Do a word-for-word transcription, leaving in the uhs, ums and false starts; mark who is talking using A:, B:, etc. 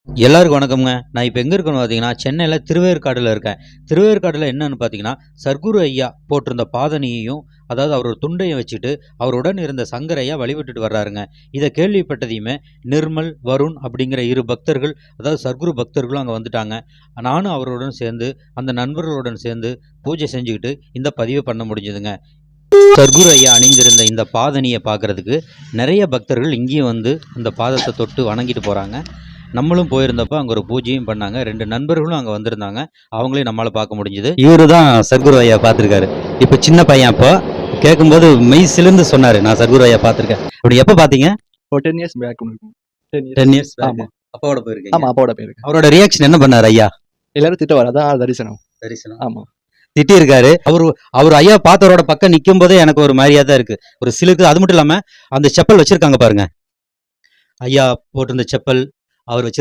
A: எல்லாருக்கும் வணக்கம்ங்க. நான் இப்போ எங்கே இருக்கேன்னு பார்த்தீங்கன்னா, சென்னையில் திருவேற்காடுல இருக்கேன். திருவேற்காடுல என்னன்னு பார்த்தீங்கன்னா, சர்க்குரு ஐயா போட்டிருந்த பாதணியையும், அதாவது அவரோட துண்டையும் வச்சுட்டு, அவருடன் இருந்த சங்கர் ஐயா வழிபட்டுட்டு வர்றாருங்க. இதை கேள்விப்பட்டதையுமே நிர்மல், வருண் அப்படிங்கிற இரு பக்தர்கள், அதாவது சர்க்குரு பக்தர்களும் அங்கே வந்துட்டாங்க. நானும் அவருடன் சேர்ந்து, அந்த நண்பர்களுடன் சேர்ந்து பூஜை செஞ்சுக்கிட்டு இந்த பதிவை பண்ண முடிஞ்சதுங்க. சர்க்குரு ஐயா அணிந்திருந்த இந்த பாதணியை பார்க்குறதுக்கு நிறைய பக்தர்கள் இங்கேயும் வந்து இந்த பாதத்தை தொட்டு வணங்கிட்டு போகிறாங்க. நம்மளும் போயிருந்தப்போ அங்கே ஒரு பூஜையும் பண்ணாங்க. ரெண்டு நண்பர்களும் அங்கே வந்திருந்தாங்க. அவங்களையும் நம்மளால் பார்க்க முடிஞ்சுது. இவரு தான் சர்க்குரு ஐயா பார்த்துருக்காரு. இப்போ சின்ன பையன் அப்போ கேட்கும்போது மெய் சிலிர்ந்து சொன்னார், நான் சர்க்குரு ஐயா பார்த்துருக்கேன். அப்படி எப்போ பார்த்தீங்க?
B: ஒரு ten years back
A: ten years
B: ஆமா
A: அப்பாவோட போயிருக்கீங்க.
B: ஆமா அப்பாவோட போயிருக்கேன்.
A: அவரோட ரியாக்ஷன் என்ன பண்ணார் ஐயா?
B: எல்லாரும் திட்ட வர அதான் தரிசனம்.
A: தரிசனம்
B: ஆமா
A: திட்டி இருக்காரு. அவரு அவர் ஐயா பார்த்தவரோட பக்கம் நிற்கும் போதே எனக்கு ஒரு மாதிரியா தான் இருக்கு, ஒரு சிலுக்கு. அது மட்டும் இல்லாம அந்த செப்பல் வச்சிருக்காங்க பாருங்க, ஐயா போட்டிருந்த செப்பல், அவர் வச்சு